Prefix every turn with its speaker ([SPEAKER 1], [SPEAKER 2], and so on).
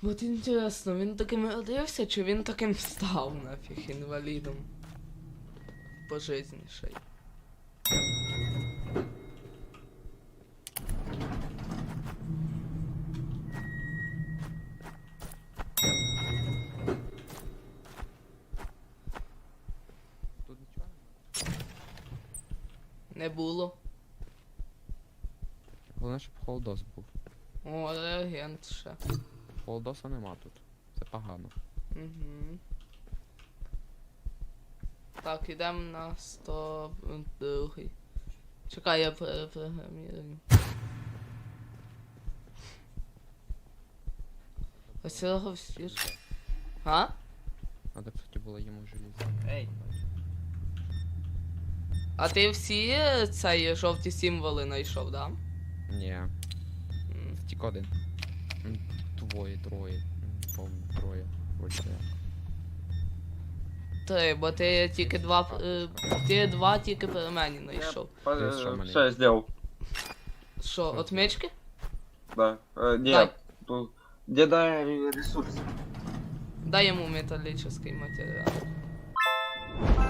[SPEAKER 1] От інтересно, він таким родився, чи він таким став нафіг інвалідом? Пожизніший.
[SPEAKER 2] Тут нічого
[SPEAKER 1] Не було.
[SPEAKER 2] немає. Головне, щоб холодос був.
[SPEAKER 1] О, реагент ще.
[SPEAKER 2] Холодоса нема тут. Це погано.
[SPEAKER 1] Угу. Так, ідемо на 102. Чекай, я перепрограмірую. Ось цього всі ж. А?
[SPEAKER 2] Надо, кстати, було йому желізо.
[SPEAKER 3] Ей,
[SPEAKER 1] А ти всі цей жовті символи знайшов, да?
[SPEAKER 2] Ні,
[SPEAKER 1] М.
[SPEAKER 2] тільки один. Двоє, троє. Повно, троє. Вроді так.
[SPEAKER 1] Три, бо ти тільки два, ти два тільки при мені знайшов.
[SPEAKER 2] Ти що мене?
[SPEAKER 3] Все, я сделал.
[SPEAKER 1] Що, отмички?
[SPEAKER 3] Да.
[SPEAKER 1] Дай.
[SPEAKER 3] Нет. Где дай ресурс?
[SPEAKER 1] Дай йому металічний матеріал.